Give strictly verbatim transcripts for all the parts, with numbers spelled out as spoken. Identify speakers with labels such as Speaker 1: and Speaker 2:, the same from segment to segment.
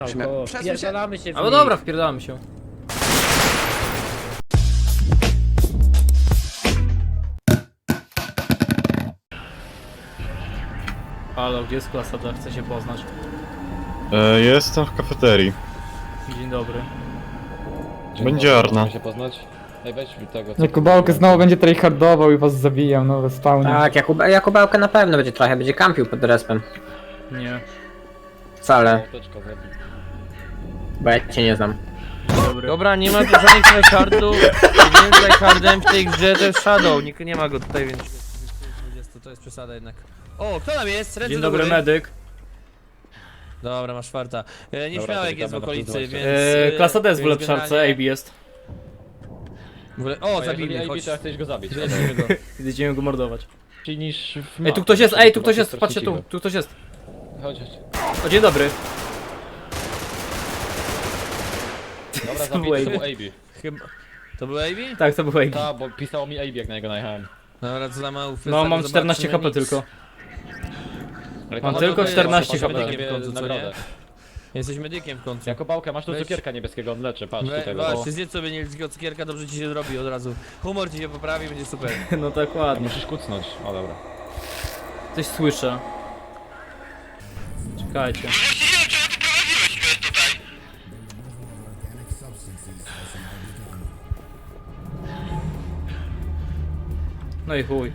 Speaker 1: Wpierdalamy się w
Speaker 2: No
Speaker 1: nich.
Speaker 2: dobra, wpierdalamy się. Halo, gdzie jest klasa D? Chcę się poznać.
Speaker 3: E, jestem w kafeterii.
Speaker 2: Dzień dobry.
Speaker 3: Będzie Arna.
Speaker 4: Możemy się poznać? Ej, weź mi tego. co-
Speaker 5: Jakubałkę znowu będzie tryhardował i was zabijał, no we spawnie.
Speaker 1: Tak, Jakub, Jakubałkę na pewno będzie trochę, będzie kampił pod respem.
Speaker 2: Nie.
Speaker 1: Wcale,
Speaker 4: Apteczka zabić.
Speaker 1: bo ja cię nie znam.
Speaker 2: Dzień dobry.
Speaker 6: Dobra, nie ma tu żadnych tryhardów. Jedynym tryhardem w tej grze to jest Shadow. Nikt nie ma go tutaj, więc... dwadzieścia, to jest przesada jednak. O, kto tam jest? Ręce
Speaker 2: Dzień
Speaker 6: do
Speaker 2: dobry,
Speaker 6: góry.
Speaker 2: medyk.
Speaker 6: Dobra, masz czwarta. E, nieśmiałek
Speaker 4: to
Speaker 6: jest w
Speaker 4: witamy na
Speaker 6: okolicy,
Speaker 4: plus
Speaker 6: więc...
Speaker 2: E,
Speaker 6: e,
Speaker 2: klasa D jest w
Speaker 6: więc
Speaker 2: ulepszarce, A
Speaker 6: generalnie-
Speaker 2: B jest.
Speaker 6: W ogóle... O,
Speaker 4: O, jeżeli
Speaker 6: zabili,
Speaker 4: A B,
Speaker 6: chodź.
Speaker 4: to ja chcesz go zabić.
Speaker 6: Zabijmy go.
Speaker 2: Idziemy go mordować.
Speaker 4: Lepiej niż w
Speaker 2: Ej, tu
Speaker 4: mapie,
Speaker 2: ktoś jest,
Speaker 4: czyli
Speaker 2: ej, tu
Speaker 4: chyba
Speaker 2: ktoś
Speaker 4: się
Speaker 2: jest, patrzcie tu,
Speaker 4: stracimy.
Speaker 2: tu ktoś jest.
Speaker 4: Chodź, chodź.
Speaker 2: O, dzień dobry.
Speaker 4: Dobra,
Speaker 2: To był
Speaker 4: zabij, to
Speaker 2: A B.
Speaker 4: był A B.
Speaker 6: Chyba... To był A B?
Speaker 2: Tak, to był A B.
Speaker 4: Ta, bo pisało mi A B jak na niego najechałem.
Speaker 6: Dobra, co za mało
Speaker 2: No, mam czternaście H P tylko.
Speaker 4: Ale
Speaker 2: Mam
Speaker 4: to
Speaker 2: tylko
Speaker 4: może
Speaker 2: czternaście
Speaker 4: być,
Speaker 2: H P.
Speaker 4: może
Speaker 6: Medykiem w końcu, co
Speaker 4: nagrodę.
Speaker 6: Jesteś medykiem w końcu.
Speaker 4: Jako bałkę, masz tu
Speaker 6: Weź.
Speaker 4: cukierka niebieskiego, on leczy, patrz
Speaker 6: We,
Speaker 4: tutaj.
Speaker 6: właśnie, zjedz sobie niebieskiego cukierka, dobrze ci się zrobi od razu. Humor ci się poprawi, będzie super.
Speaker 2: No tak ładnie.
Speaker 4: Musisz kucnąć, o dobra.
Speaker 2: Coś słyszę. Czekajcie. No i chuj.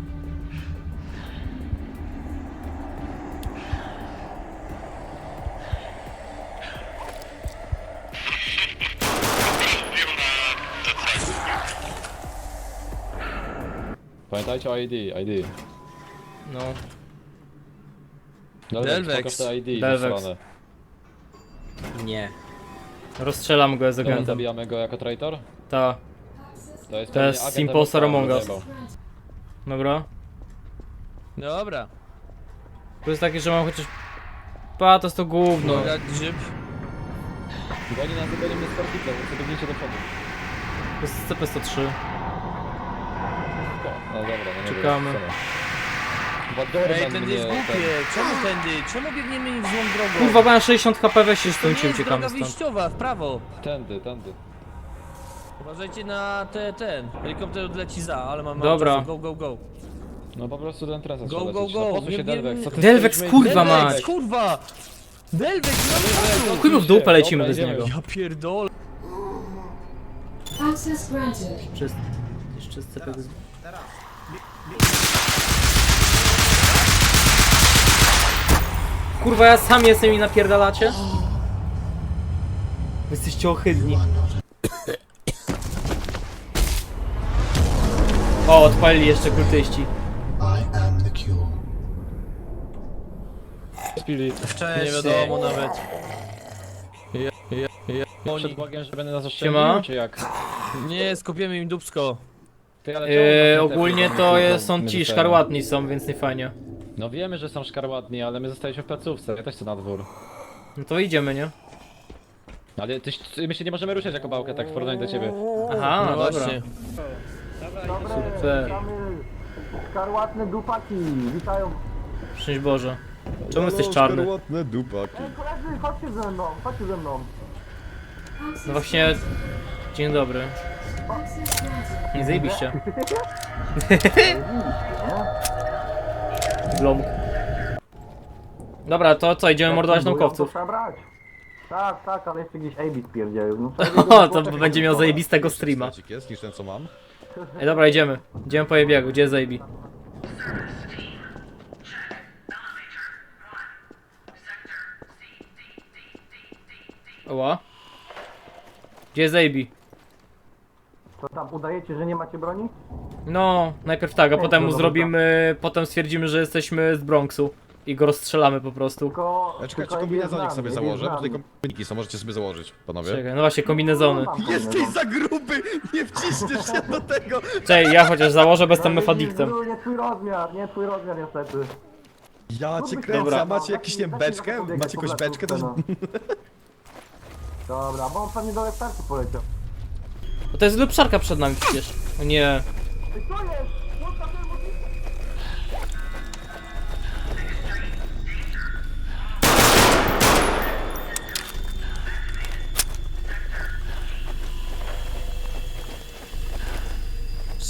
Speaker 4: Pamiętajcie o I D, I D.
Speaker 2: No.
Speaker 4: Dobra,
Speaker 6: Delvex.
Speaker 4: pokaż te I D
Speaker 2: Delvex.
Speaker 4: ze strony.
Speaker 1: Nie.
Speaker 2: Rozstrzelam go z
Speaker 4: Dobra,
Speaker 2: agentem.
Speaker 4: zabijamy go jako traitor?
Speaker 2: Ta.
Speaker 4: To jest,
Speaker 2: To
Speaker 4: pewnie
Speaker 2: jest
Speaker 4: agent
Speaker 2: Impostor
Speaker 4: albo
Speaker 2: Among Us.
Speaker 4: zajebał.
Speaker 2: Dobra.
Speaker 6: Dobra.
Speaker 2: To jest takie, że mam chociaż... Pa, to jest to gówno.
Speaker 6: Dobra, grzyb.
Speaker 4: Goni nas, goni mnie z Fortnite, więc biegnijcie do przodu.
Speaker 2: To jest C P sto trzy.
Speaker 4: No dobra, no nie
Speaker 2: Czekamy.
Speaker 4: wiem, Chyba Dorman
Speaker 6: Ej, tędy jest
Speaker 4: mnie
Speaker 6: głupie. Czemu tędy? Czemu biegniemy w złą drogą?
Speaker 2: Kurwa, mam sześćdziesiąt H P, weź się
Speaker 6: to
Speaker 2: stąd
Speaker 6: nie
Speaker 2: i
Speaker 6: jest
Speaker 2: uciekamy
Speaker 6: droga
Speaker 2: stąd.
Speaker 6: wyjściowa, w prawo.
Speaker 4: ten, tędy, tędy.
Speaker 6: Uważajcie na te, ten. Helikopter leci za, ale mam mało
Speaker 2: Dobra.
Speaker 6: czasu. Go, go, go.
Speaker 4: No po prostu ten trasa
Speaker 6: Go,
Speaker 4: trzeba
Speaker 6: go,
Speaker 4: lecieć.
Speaker 6: go.
Speaker 4: No po co
Speaker 6: Nie
Speaker 4: się
Speaker 6: wiem-
Speaker 4: Delvex? Co ty
Speaker 2: Delvex,
Speaker 4: stoisz,
Speaker 2: kurwa,
Speaker 4: Delvex?
Speaker 2: mać.
Speaker 6: Delvex, kurwa! Delvex, no
Speaker 2: Chuj mu w dupę lecimy
Speaker 4: Dobra,
Speaker 2: bez
Speaker 4: idziemy.
Speaker 2: niego.
Speaker 6: Ja pierdolę.
Speaker 7: Access granted.
Speaker 2: Przez... Jeszcze z C P... Kurwa, ja sam jestem i napierdalacie? Wy jesteście ohydni. O, odpalili jeszcze kultyści.
Speaker 4: Spili.
Speaker 6: Nie wiadomo nawet. Ja, ja, ja.
Speaker 4: Przed Bogiem, że będę nas
Speaker 2: Siema.
Speaker 4: oszczędził, czy jak?
Speaker 6: Nie, skopiemy im dupsko.
Speaker 4: Ty, ale
Speaker 2: Yy,
Speaker 4: czemu tak
Speaker 2: ogólnie
Speaker 4: te-
Speaker 2: to
Speaker 4: my
Speaker 2: jest, są ci
Speaker 4: zostajemy?
Speaker 2: szkarłatni są, więc nie fajnie.
Speaker 4: No wiemy, że są szkarłatni, ale my zostaliśmy w placówce, ja też chcę na dwór.
Speaker 2: No to idziemy, nie?
Speaker 4: Ale ty, ty, my się nie możemy ruszać jako bałkę, tak w porównaniu do ciebie.
Speaker 2: Aha,
Speaker 6: No
Speaker 2: dobra.
Speaker 6: właśnie.
Speaker 2: Super.
Speaker 8: Szkarłatne dupaki, witają.
Speaker 2: Szczęść Boże. Czemu jesteś czarny?
Speaker 3: Szkarłatne dupaki.
Speaker 8: Koledzy, chodźcie ze mną, chodźcie ze mną.
Speaker 2: No właśnie... Dzień dobry.
Speaker 7: Access granted.
Speaker 2: Nie zajebiście. Blomk. Dobra, to co, idziemy mordować naukowców.
Speaker 8: Trzeba brać. Tak, tak, ale jeszcze gdzieś A B spierdzielił. No,
Speaker 2: O, to będzie miał zajebistego streama.
Speaker 3: Jest niż ten co mam.
Speaker 2: Ej, dobra, idziemy. Idziemy po jebiegu, gdzie jest Zajebi? Oła. Gdzie jest Zajebi?
Speaker 8: to tam udajecie, że nie macie broni?
Speaker 2: No, najpierw tak, a potem mu zrobimy, potem stwierdzimy, że jesteśmy z Bronxu i go rozstrzelamy po prostu.
Speaker 8: Tylko...
Speaker 3: Ja czekajcie,
Speaker 8: tylko
Speaker 3: kombinezonik
Speaker 8: jest
Speaker 3: sobie
Speaker 8: z nami,
Speaker 3: założę, bo
Speaker 8: jest z
Speaker 3: tutaj
Speaker 8: nami.
Speaker 3: kombiniki są, możecie sobie założyć, panowie.
Speaker 2: Czekaj, no właśnie, kombinezony.
Speaker 8: Mam kombinezon.
Speaker 3: za gruby, nie wciśniesz się do tego!
Speaker 2: Czekaj, ja chociaż założę, bo jestem
Speaker 8: No,
Speaker 2: mefadiktem.
Speaker 8: widzisz, Nie twój rozmiar, nie twój rozmiar niestety.
Speaker 3: Ja cię kręcę,
Speaker 2: Dobra.
Speaker 3: a macie jakąś, nie wiem, beczkę? Macie jakąś beczkę? To...
Speaker 8: No. Dobra, bo on pewnie do startu poleciał.
Speaker 2: Bo to jest lepszarka przed nami przecież. O nie.
Speaker 8: Ej, co jest? Zostaw ten motyw!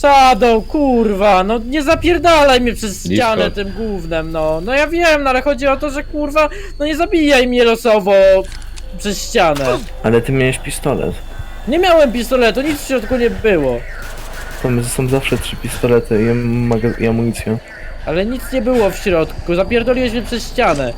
Speaker 6: Shadow, kurwa, no nie zapierdalaj mnie przez
Speaker 4: Blisko.
Speaker 6: ścianę tym gównem, no. No ja wiem, no ale chodzi o to, że kurwa, no nie zabijaj mnie losowo przez ścianę.
Speaker 9: Ale ty miałeś pistolet.
Speaker 6: Nie miałem pistoletu, nic w środku nie było.
Speaker 9: Tam są zawsze trzy pistolety i, maga- i amunicja.
Speaker 6: Ale nic nie było w środku, zapierdoliłeś mnie przez ścianę.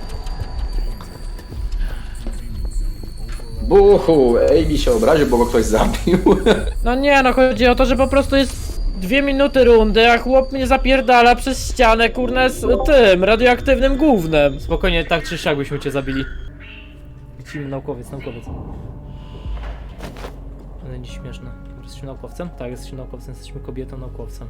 Speaker 10: Buchu, Ejbi się obraził, bo go ktoś zabił.
Speaker 6: No nie, no chodzi o to, że po prostu jest dwie minuty rundy, a chłop mnie zapierdala przez ścianę, kurna, z tym, radioaktywnym gównem.
Speaker 2: Spokojnie, tak czy siak byśmy cię zabili. Lecimy, naukowiec, naukowiec. Ale nie śmieszne. Jesteśmy naukowcem? Tak, jesteśmy naukowcem, jesteśmy kobietą naukowcem.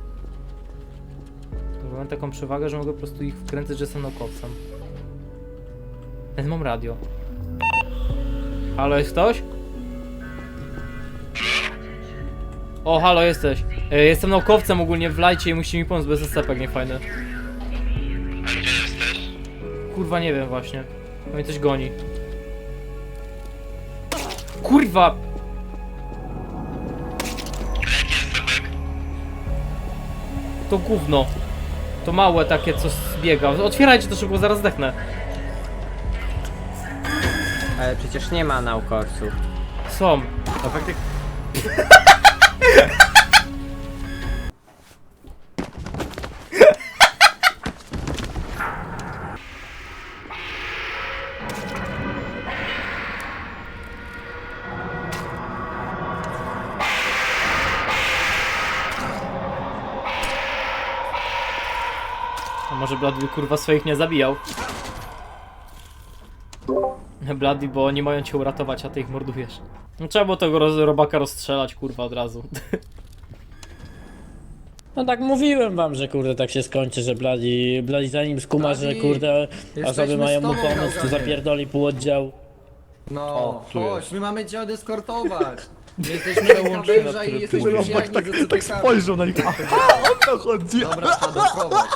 Speaker 2: To mam taką przewagę, że mogę po prostu ich wkręcać, że jestem naukowcem. Więc mam radio. Halo, jest ktoś? O, halo, jesteś. E, jestem naukowcem ogólnie, wlajcie i musicie mi pomóc, bo jest stepek niefajny. A gdzie jesteś? Kurwa, nie wiem właśnie. To mnie coś goni. Kurwa! To gówno. To małe takie, co zbiega. Otwierajcie to szybko, zaraz zdechnę.
Speaker 1: Ale przecież nie ma naukowców.
Speaker 2: Są.
Speaker 1: To faktycznie...
Speaker 2: A może Bloody kurwa swoich nie zabijał? Bloody, bo nie mają cię uratować, a ty ich mordujesz. No, trzeba było tego roz robaka rozstrzelać kurwa od razu.
Speaker 6: No tak mówiłem wam, że kurde tak się skończy, że Bloody, Bloody zanim skuma, że kurde osoby mają mu pomóc, to zapierdoli pół oddział.
Speaker 10: No, chodź, my mamy cię odeskortować. My jesteśmy węża i jesteśmy przyjaźni z
Speaker 3: Tak spojrzał na nich. Aha, o to chodzi.
Speaker 10: Dobra, Shadow, prowadź.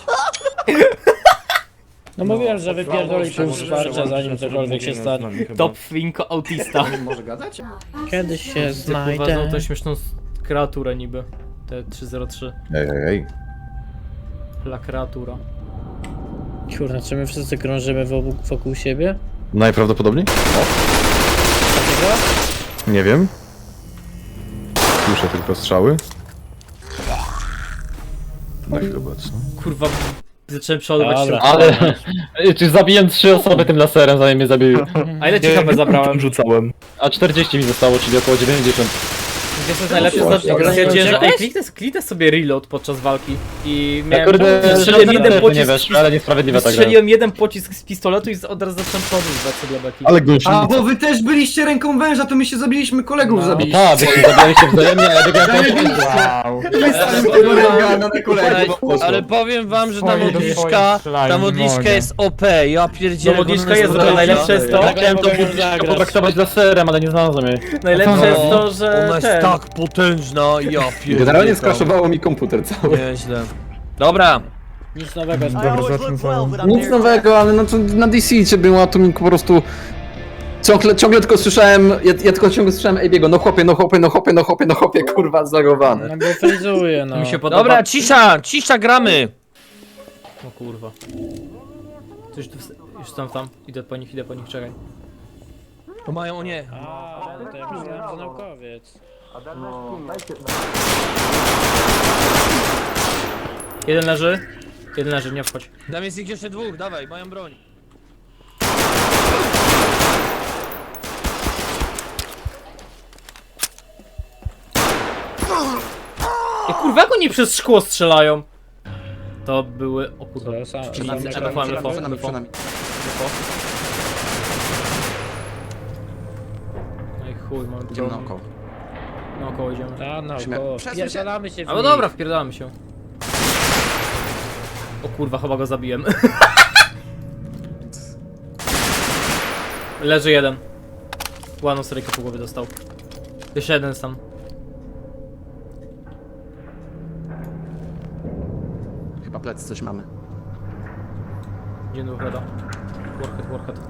Speaker 6: No mówiłem, że wypierdoli pół wsparcia zanim cokolwiek się stanie.
Speaker 2: Top Finko autista.
Speaker 10: Może gadać?
Speaker 6: Kiedyś się
Speaker 2: Kurwa,
Speaker 6: znajdę.
Speaker 2: znowu tą śmieszną s- kreaturę niby. Te trzysta trzy.
Speaker 3: Ej, ej, ej.
Speaker 2: La kreatura.
Speaker 6: Kurwa, czy my wszyscy krążymy wokół, wokół siebie?
Speaker 3: Najprawdopodobniej? O. Nie wiem. Słyszę tylko strzały. No chyba co?
Speaker 2: Kurwa, zacząłem przeładować
Speaker 6: Dobra.
Speaker 2: się.
Speaker 4: Ale... Czy zabiłem trzy osoby tym laserem, zanim mnie zabił.
Speaker 2: A ile ci H P zabrałem?
Speaker 9: Rzucałem.
Speaker 4: A czterdzieści mi zostało, czyli około dziewięćdziesiąt.
Speaker 2: Wiesz co jest najlepsze?
Speaker 1: Właśnie,
Speaker 2: Stwierdziłem, że
Speaker 6: uciekłeś?
Speaker 2: ej, kliknę, kliknę sobie reload podczas walki i
Speaker 4: Ja
Speaker 2: miałem...
Speaker 4: kurde,
Speaker 2: strzeliłem jeden
Speaker 4: nie
Speaker 2: pocisk,
Speaker 4: wiesz, ale niesprawiedliwa ta gra.
Speaker 2: strzeliłem jeden pocisk z pistoletu i z- od razu zacząłem przeładowywać sobie beki.
Speaker 3: Ale gości.
Speaker 10: A, bo wy też byliście ręką węża, to my się zabiliśmy, kolegów
Speaker 6: No.
Speaker 4: No
Speaker 10: zabiliśmy.
Speaker 4: tak, byśmy zabijali się wzajemnie, ale wygrałem
Speaker 10: Zajebiście.
Speaker 5: Wow.
Speaker 10: My staliśmy tego ręka na kolegów.
Speaker 6: Ale powiem wam, że ta
Speaker 5: Swoje do
Speaker 6: modliszka,
Speaker 5: swoich strzelają,
Speaker 6: ta
Speaker 5: nie
Speaker 6: modliszka
Speaker 5: mogę.
Speaker 6: jest O P, ja pierdzielę.
Speaker 2: No modliszka
Speaker 6: ona
Speaker 2: jest,
Speaker 6: zbrojna.
Speaker 2: ale najlepsze jest to-
Speaker 4: Ja chciałem to potraktować laserem, ale nie znalazłem jej.
Speaker 2: Najlepsze jest to,
Speaker 6: Ona
Speaker 2: że
Speaker 6: jest
Speaker 2: ten...
Speaker 6: tak potężna, ja pierdzielę.
Speaker 10: Generalnie skraszowało mi komputer cały.
Speaker 6: Nieźle. Dobra.
Speaker 5: Nic nowego. Dobra, zacznę samą.
Speaker 10: Nic nowego, ale no to na D C czy było, to mi po prostu... Ciągle, ciągle tylko słyszałem, ja, ja tylko ciągle słyszałem Ejbiego, no chłopie, no chłopie, no chłopie, no chłopie, no chłopie, kurwa, zagowany.
Speaker 6: No bo frizuje, no.
Speaker 2: Mi się podoba.
Speaker 6: Dobra, cisza, cisza, gramy.
Speaker 2: O kurwa. Coś tu... Już tam, tam. Idę po nich, idę po nich, czekaj.
Speaker 6: To mają, o nie.
Speaker 5: A, to ja myślałem, że naukowiec.
Speaker 2: Jeden leży. Jeden leży, nie wchodź.
Speaker 6: Tam jest ich jeszcze dwóch, dawaj, mają broń.
Speaker 2: Ej, kurwa, jak oni przez szkło strzelają? To były... O kurwa.
Speaker 6: To sam-
Speaker 2: Przeciwnicy,
Speaker 6: sam-
Speaker 2: F F, F F,
Speaker 10: Przed nami,
Speaker 2: F
Speaker 10: przed
Speaker 2: F.
Speaker 10: nami.
Speaker 2: No i chuj, mamy
Speaker 10: Idziemy
Speaker 2: problem.
Speaker 10: naokoło.
Speaker 2: Naokoło idziemy.
Speaker 6: A, no,
Speaker 10: Musimy-
Speaker 6: koło.
Speaker 10: Przesuń się.
Speaker 6: Pierdalamy się w
Speaker 2: Ale
Speaker 6: nich.
Speaker 2: dobra, wpierdalamy się. O kurwa, chyba go zabiłem. Leży jeden. Ładną seryjkę po głowie dostał. Jeszcze jeden sam.
Speaker 10: Chyba plecy coś mamy.
Speaker 2: Gdzie do Warheada? Warhead, Warhead.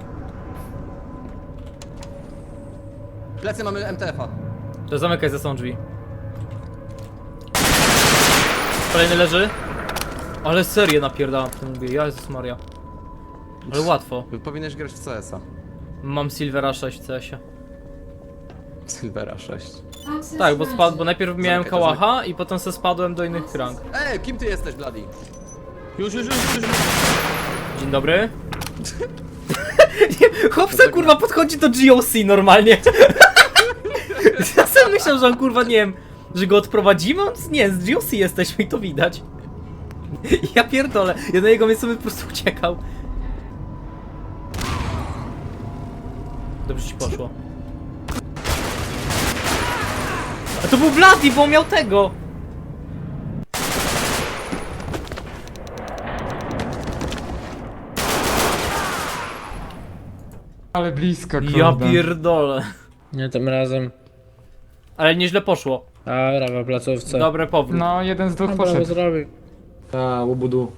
Speaker 10: Plecy mamy M T F-a.
Speaker 2: To zamykaj za sobą drzwi. Kolejny leży. Ale serię napierdalam w tym mówię, Jezus Maria. Ale łatwo.
Speaker 3: Powinieneś grać w C S a.
Speaker 2: Mam Silvera sześć w C S-ie.
Speaker 3: Silvera sześć.
Speaker 7: Access
Speaker 2: Tak, bo spadł, bo
Speaker 7: granted.
Speaker 2: najpierw miałem
Speaker 3: Zamykaj to,
Speaker 2: kałacha i potem se spadłem do innych rank.
Speaker 3: Ej, kim ty jesteś, Bloody?
Speaker 6: Już, już, już, już.
Speaker 2: Dzień dobry. Nie, chłopca kurwa podchodzi do G O C normalnie. Ja sam myślał, że on kurwa nie wiem, że go odprowadzimy? On z- Nie, z G O C jesteśmy i to widać. Ja pierdolę, ja na jego miejscu bym po prostu uciekał. Dobrze ci poszło. A to był Bloody, bo on miał tego!
Speaker 11: Ale blisko,
Speaker 2: Ja pierdolę.
Speaker 5: Nie tym razem.
Speaker 2: Ale nieźle poszło.
Speaker 5: Dobra, w placówce.
Speaker 2: Dobre powrót.
Speaker 11: No, jeden z dwóch
Speaker 5: Dobra,
Speaker 11: poszedł.
Speaker 5: zrobił.
Speaker 8: Ta, łubudu.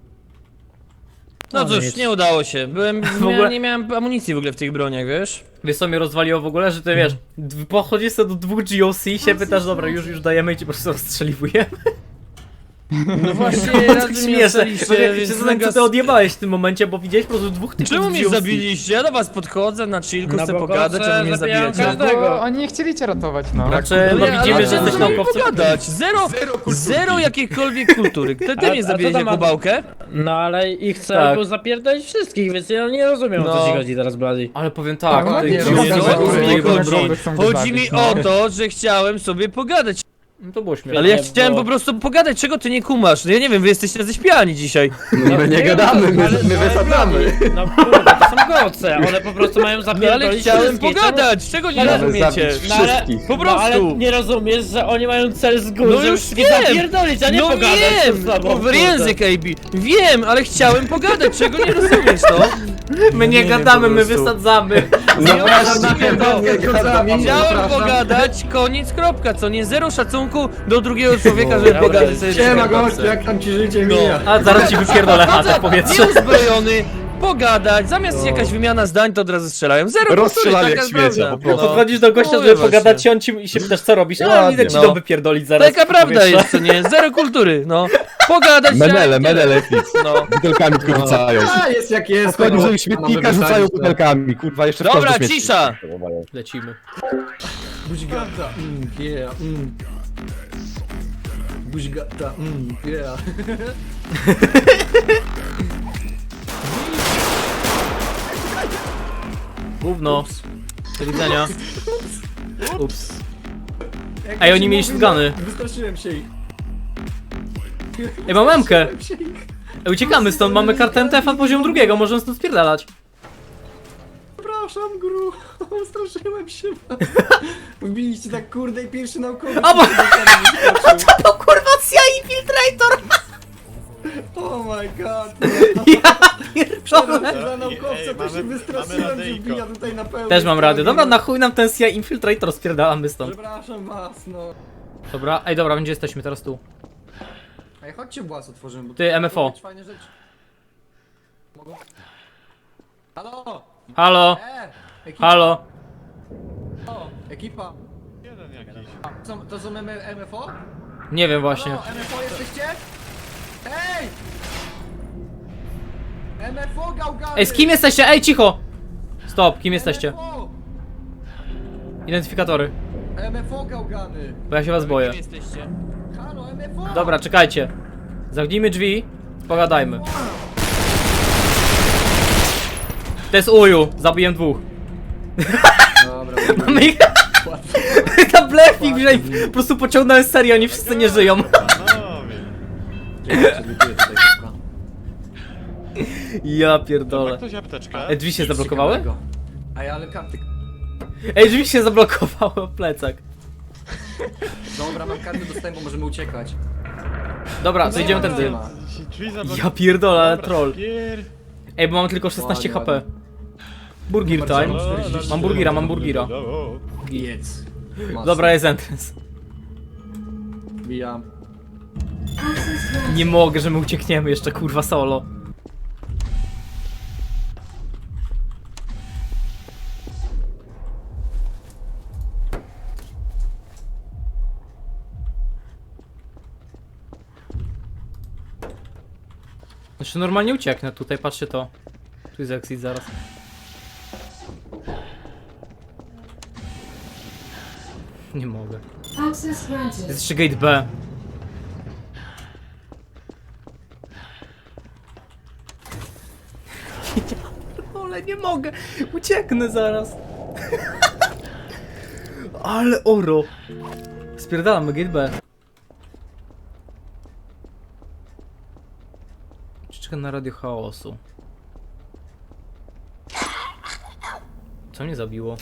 Speaker 6: No
Speaker 5: No
Speaker 6: cóż,
Speaker 5: nic.
Speaker 6: nie udało się. Byłem,
Speaker 2: W ogóle-
Speaker 6: miałem, nie miałem amunicji w ogóle w tych broniach, wiesz?
Speaker 2: Wiesz co mnie rozwaliło w ogóle, że ty wiesz, d- podchodzisz sobie do dwóch G O C i się pytasz, dobra, już już dajemy i ci po prostu rozstrzeliwujemy.
Speaker 6: No właśnie,
Speaker 2: Tak
Speaker 6: razy mnie
Speaker 2: śmieszne.
Speaker 6: ocaliście,
Speaker 2: Bo ja
Speaker 6: więc
Speaker 2: się zastanawiam, co
Speaker 6: mega...
Speaker 2: ty odjebałeś w tym momencie, bo widziałeś po prostu dwóch typów
Speaker 6: Czemu
Speaker 2: z
Speaker 6: mnie
Speaker 2: G O C.
Speaker 6: zabiliście? Ja do was podchodzę na chillku,
Speaker 5: Na
Speaker 6: chcę
Speaker 5: bokoce
Speaker 6: pogadać, a wy mnie
Speaker 5: zabijam
Speaker 6: zabijacie.
Speaker 5: każdego.
Speaker 11: Bo oni nie chcieli cię ratować, no.
Speaker 2: Znaczy,
Speaker 6: No
Speaker 2: no
Speaker 6: nie,
Speaker 2: widzimy,
Speaker 6: ale
Speaker 2: że jesteś
Speaker 6: możemy
Speaker 2: naukowcem.
Speaker 6: pogadać. Zero, zero jakiejkolwiek kultury. Ty,
Speaker 5: A-
Speaker 6: ty
Speaker 5: a
Speaker 6: mnie
Speaker 5: co
Speaker 6: zabiłeś
Speaker 5: tam
Speaker 6: jako
Speaker 5: ma-
Speaker 6: bałkę?
Speaker 5: No ale ich cel
Speaker 2: Tak.
Speaker 5: był zapierdolić wszystkich, więc ja nie rozumiem, o
Speaker 6: No.
Speaker 5: co ci chodzi teraz, Bloody.
Speaker 2: Ale powiem tak,
Speaker 11: No,
Speaker 2: ty
Speaker 11: nie,
Speaker 2: G
Speaker 11: no,
Speaker 2: O
Speaker 6: Nie,
Speaker 2: C
Speaker 6: no,
Speaker 11: że-
Speaker 6: o co mi
Speaker 11: że-
Speaker 6: chodzi?
Speaker 11: że- chcą go
Speaker 6: Chodzi mi
Speaker 11: zabić, no.
Speaker 6: o to, że chciałem sobie pogadać.
Speaker 2: No to było śmieszne.
Speaker 6: Ale ja
Speaker 5: Nie,
Speaker 6: chciałem
Speaker 5: bo-
Speaker 6: po prostu pogadać, czego ty nie kumasz? No ja nie wiem, wy jesteście jacyś pijani dzisiaj.
Speaker 10: My nie gadamy, my,
Speaker 5: Ale-
Speaker 10: my
Speaker 5: ale
Speaker 10: wysadzamy.
Speaker 5: Bloody, No kurwa, to są goce, one po prostu mają
Speaker 6: No
Speaker 5: zapierdolić
Speaker 6: ale chciałem
Speaker 5: wszystkich.
Speaker 6: pogadać, czego nie
Speaker 5: Ale-
Speaker 6: rozumiecie?
Speaker 5: No ale,
Speaker 10: Wszystkich.
Speaker 6: Po
Speaker 5: no, ale
Speaker 6: prostu.
Speaker 5: nie rozumiesz, że oni mają cel z góry,
Speaker 6: No
Speaker 5: żeby
Speaker 6: już
Speaker 5: wszystkich
Speaker 6: wiem.
Speaker 5: zapierdolić, a nie
Speaker 6: No
Speaker 5: pogadać
Speaker 6: wiem,
Speaker 5: ze sobą,
Speaker 6: w
Speaker 5: kurde.
Speaker 6: język A B. Wiem, ale chciałem pogadać, czego nie rozumiesz, no?
Speaker 2: My nie
Speaker 6: nie wiem,
Speaker 2: gadamy,
Speaker 6: po
Speaker 2: my
Speaker 6: prostu.
Speaker 2: wysadzamy.
Speaker 10: Zapraszam na
Speaker 6: Właściwie to.
Speaker 10: pewno, kozami,
Speaker 6: Chciałem
Speaker 10: zapraszam.
Speaker 6: pogadać, koniec, kropka, co nie? Zero szacunku do drugiego człowieka, żeby
Speaker 5: Dobra,
Speaker 6: pogadać sobie.
Speaker 10: Siema
Speaker 6: w
Speaker 10: gość,
Speaker 6: kropce.
Speaker 10: jak tam ci życie
Speaker 6: No.
Speaker 10: mija?
Speaker 2: A zaraz ci wypierdolę chatę w powietrze.
Speaker 6: Nieuzbrojony, pogadać, zamiast jakaś wymiana zdań, to od razu strzelają. Zero kultury,
Speaker 3: Rozstrzelali
Speaker 6: taka
Speaker 3: jak
Speaker 6: jest
Speaker 3: śmiecia,
Speaker 6: prawda.
Speaker 3: po prostu.
Speaker 6: No.
Speaker 2: Podchodzisz do gościa,
Speaker 6: Mówię
Speaker 2: żeby
Speaker 6: właśnie.
Speaker 2: pogadać i on ci i się pytasz, co robisz. A
Speaker 3: Ładnie,
Speaker 2: idę ci
Speaker 6: no.
Speaker 2: dom wypierdolić zaraz.
Speaker 6: Taka
Speaker 2: w
Speaker 6: prawda
Speaker 2: powietrze.
Speaker 6: jest, co nie? Zero kultury, no. Pogadać
Speaker 3: Menele,
Speaker 6: trzeba-
Speaker 3: menele fix.
Speaker 6: No.
Speaker 3: Butelkami tylko rzucają.
Speaker 10: A, jest jak jest.
Speaker 3: Podchodzą,
Speaker 10: no.
Speaker 3: że śmietnika
Speaker 10: Mamy
Speaker 3: rzucają
Speaker 10: wysadzić,
Speaker 3: butelkami, kurwa, jeszcze w
Speaker 6: Dobra,
Speaker 3: każdy śmietnik.
Speaker 6: cisza.
Speaker 2: Lecimy.
Speaker 10: Buźgata, mm, yeah, mm. Buźgata, mm, yeah.
Speaker 2: Gówno. Do widzenia. Ups. Ej, oni mieli shotguny.
Speaker 10: Wystraszyłem się ich.
Speaker 2: Ej, mam memkę.
Speaker 10: Wystraszyłem się ich.
Speaker 2: Ej, uciekamy stąd, mamy kartę M T F na poziom drugiego, możemy stąd spierdalać.
Speaker 10: Przepraszam, gru. Straszyłem się. Wbiliście tak kurde i pierwszy naukowy.
Speaker 2: A bo... To kurwa C I Infiltrator!
Speaker 10: Oh my god.
Speaker 2: Ja pierdolę.
Speaker 10: Za naukowca to się wystraszyłem, że wbija tutaj na pełno.
Speaker 2: Też mam radio. Dobra, na chuj nam ten C I Infiltrator, spierdalamy stąd.
Speaker 10: Przepraszam was, no.
Speaker 2: Dobra, ej dobra, gdzie jesteśmy teraz tu?
Speaker 10: Ej, chodźcie włas otworzymy, bo
Speaker 2: Ty,
Speaker 10: tu
Speaker 2: M F O.
Speaker 10: mogą być fajne rzeczy. Mogą? Halo!
Speaker 2: Halo?
Speaker 10: E! Ekipa!
Speaker 2: Halo?
Speaker 10: O, ekipa! Jeden jakiś. Co, to są M F O?
Speaker 2: Nie wiem właśnie.
Speaker 10: Halo, M F O jesteście? Ej! M F O gałgany!
Speaker 2: Ej, z kim jesteście? Ej, cicho! Stop, kim jesteście?
Speaker 10: M F O!
Speaker 2: Identyfikatory.
Speaker 10: M F O gałgany!
Speaker 2: Bo ja się was boję.
Speaker 6: Kim jesteście?
Speaker 10: Halo, M F O!
Speaker 2: Dobra, czekajcie. Zamknijmy drzwi, pogadajmy. To jest uju, zabiłem dwóch.
Speaker 10: Dobra,
Speaker 2: Mamy ich... Na blefik, że ich po prostu pociągnąłem serię, oni wszyscy nie żyją. Ja pierdolę. Ej, drzwi się zablokowały?
Speaker 10: Ej, ale karty.
Speaker 2: Ej, drzwi się zablokowały o plecak.
Speaker 10: Dobra, mam karty dostępu, możemy uciekać.
Speaker 2: Dobra, to idziemy tędy.
Speaker 10: Nie ma.
Speaker 2: Ja pierdolę, ale troll. Ej, bo mam tylko szesnaście
Speaker 10: Ładnie,
Speaker 2: H P. Burger time. Mam burgira, mam burgira.
Speaker 10: Jedz.
Speaker 2: Dobra, jest entrance.
Speaker 10: Wbijam.
Speaker 7: Access granted.
Speaker 2: Nie mogę, że my uciekniemy jeszcze, kurwa, solo. Znaczy normalnie ucieknę tutaj, patrzcie to. Tu jest exit zaraz. Nie mogę.
Speaker 7: Access granted.
Speaker 2: Jest jeszcze gate B. Ale nie mogę! Ucieknę zaraz! Ale oro! Spierdalamy, gate B. Czekam na radio chaosu. Co mnie zabiło?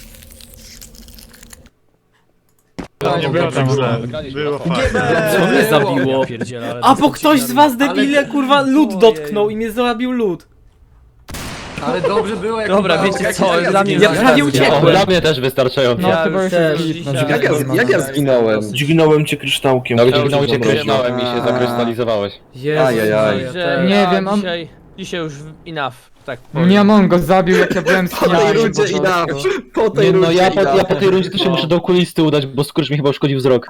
Speaker 4: Nie było tam Było
Speaker 2: Co mnie zabiło? A bo ktoś z was debile kurwa lód dotknął i mnie zabił lód.
Speaker 10: Ale dobrze było, jak
Speaker 6: Dobra, wiecie co, dla mnie
Speaker 2: Ja prawie uciekłem.
Speaker 4: Dla mnie też wystarczająco.
Speaker 11: No
Speaker 6: Ja
Speaker 11: chyba
Speaker 6: już
Speaker 11: już
Speaker 6: też
Speaker 11: jest
Speaker 6: dzisiaj-
Speaker 11: git,
Speaker 10: Jak ja, jak ja zginąłem?
Speaker 9: Dźgnąłem cię kryształkiem.
Speaker 4: No
Speaker 9: Ja
Speaker 4: gdzie
Speaker 9: już
Speaker 4: znowu cię
Speaker 9: zamroził.
Speaker 4: krysznąłem i się zakrystalizowałeś.
Speaker 2: Jezu,
Speaker 10: Ajajaj.
Speaker 2: ja
Speaker 6: Że
Speaker 2: też.
Speaker 11: Nie
Speaker 6: ja
Speaker 11: wiem, on-
Speaker 6: dzisiaj, dzisiaj już enough, tak
Speaker 11: Mnie on go zabił, jak ja byłem z
Speaker 10: Po tej
Speaker 11: Kianem,
Speaker 10: rundzie
Speaker 11: po
Speaker 10: i na.
Speaker 11: prostu.
Speaker 10: Po tej
Speaker 4: Nie, no
Speaker 10: rundzie
Speaker 4: ja
Speaker 10: i
Speaker 4: po,
Speaker 10: na.
Speaker 4: ja po tej rundzie to się muszę do okulisty udać, bo skurcz mi chyba uszkodził wzrok.